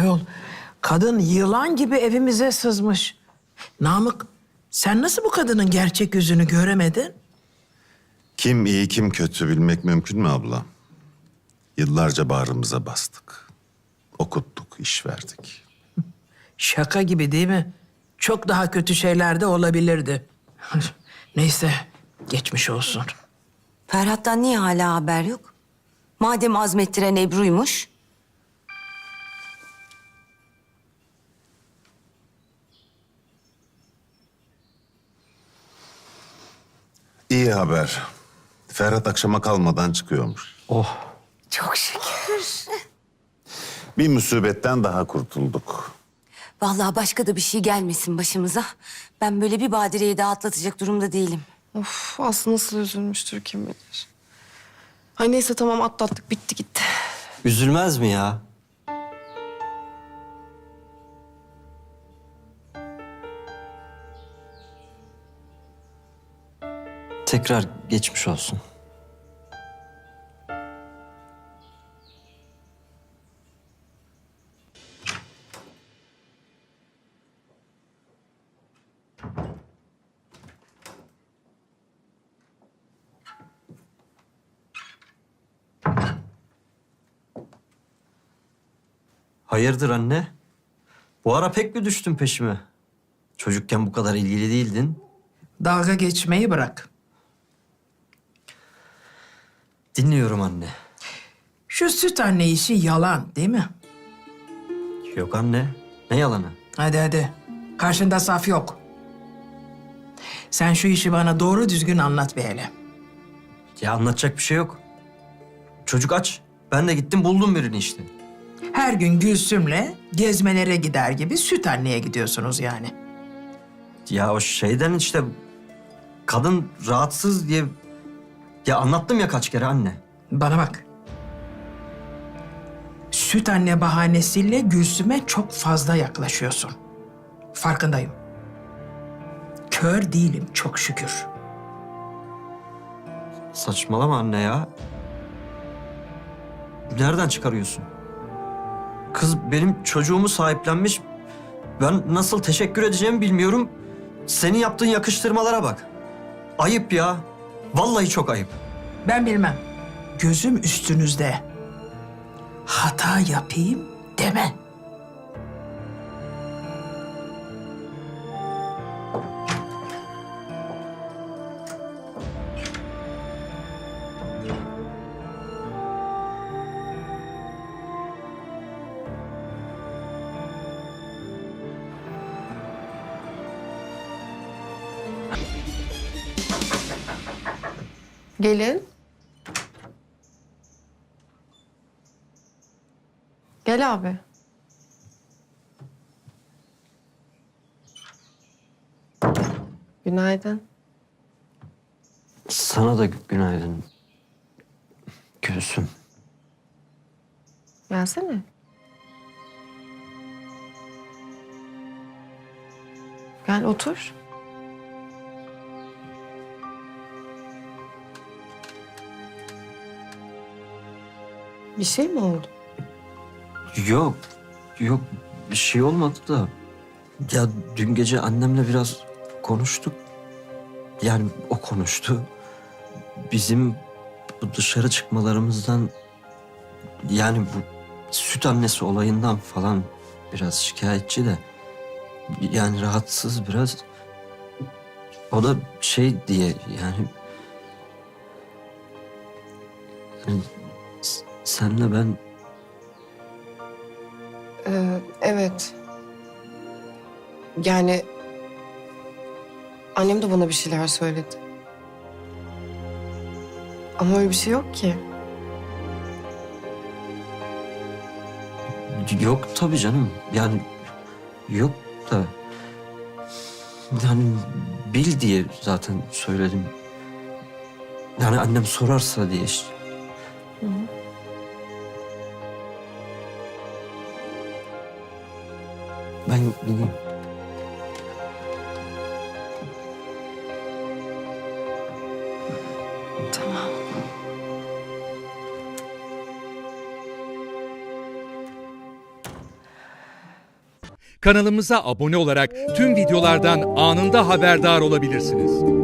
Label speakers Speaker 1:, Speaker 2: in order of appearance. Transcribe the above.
Speaker 1: Ayol, kadın yılan gibi evimize sızmış. Namık, sen nasıl bu kadının gerçek yüzünü göremedin?
Speaker 2: Kim iyi kim kötü bilmek mümkün mü abla? Yıllarca bağrımıza bastık. Okuttuk, iş verdik.
Speaker 1: Şaka gibi değil mi? Çok daha kötü şeyler de olabilirdi. Neyse, geçmiş olsun.
Speaker 3: Ferhat'tan niye hala haber yok? Madem azmettiren Ebru'ymuş.
Speaker 2: İyi haber. Ferhat akşama kalmadan çıkıyormuş.
Speaker 3: Çok şükür.
Speaker 2: Bir musibetten daha kurtulduk.
Speaker 3: Vallahi başka da bir şey gelmesin başımıza. Ben böyle bir badireyi daha atlatacak durumda değilim.
Speaker 4: Of, Aslı nasıl üzülmüştür kim bilir. Ay neyse tamam atlattık bitti gitti.
Speaker 5: Üzülmez mi ya? Tekrar geçmiş olsun. Hayırdır anne? Bu ara pek mi düştün peşime? Çocukken bu kadar ilgili değildin.
Speaker 1: Dalga geçmeyi bırak.
Speaker 5: Dinliyorum anne.
Speaker 1: Şu süt anne işi yalan değil mi?
Speaker 5: Yok anne. Ne yalanı?
Speaker 1: Hadi hadi. Karşında saf yok. Sen şu işi bana doğru düzgün anlat bir hele.
Speaker 5: Ya anlatacak bir şey yok. Çocuk aç. Ben de gittim buldum birini işte.
Speaker 1: Her gün Gülsüm'le gezmelere gider gibi süt anneye gidiyorsunuz yani.
Speaker 5: Ya o şeyden işte kadın rahatsız diye... Ya anlattım ya kaç kere anne.
Speaker 1: Bana bak. Süt anne bahanesiyle Gülsüm'e çok fazla yaklaşıyorsun. Farkındayım. Kör değilim çok şükür.
Speaker 5: Saçmalama anne ya. Nereden çıkarıyorsun? Kız benim çocuğumu sahiplenmiş. Ben nasıl teşekkür edeceğimi bilmiyorum. Senin yaptığın yakıştırmalara bak. Ayıp ya. Vallahi çok ayıp.
Speaker 1: Ben bilmem. Gözüm üstünüzde. Hata yapayım deme.
Speaker 4: Gelin. Gel abi. Günaydın.
Speaker 5: Sana da günaydın. Gülsüm.
Speaker 4: Gelsene. Gel otur. Bir şey mi oldu?
Speaker 5: Yok. Yok bir şey olmadı da. Ya dün gece annemle biraz konuştuk. Yani o konuştu. Bizim bu dışarı çıkmalarımızdan... Yani bu süt annesi olayından falan biraz şikayetçi de. Yani rahatsız biraz. O da şey diye yani... Yani senle ben...
Speaker 4: Evet. Yani annem de bana bir şeyler söyledi. Ama öyle bir şey yok ki.
Speaker 5: Yok tabii canım. Yani yok da... Yani bil diye zaten söyledim. Yani annem sorarsa diye işte. Ben gideyim.
Speaker 4: Tamam.
Speaker 6: kanalımıza abone olarak tüm videolardan anında haberdar olabilirsiniz.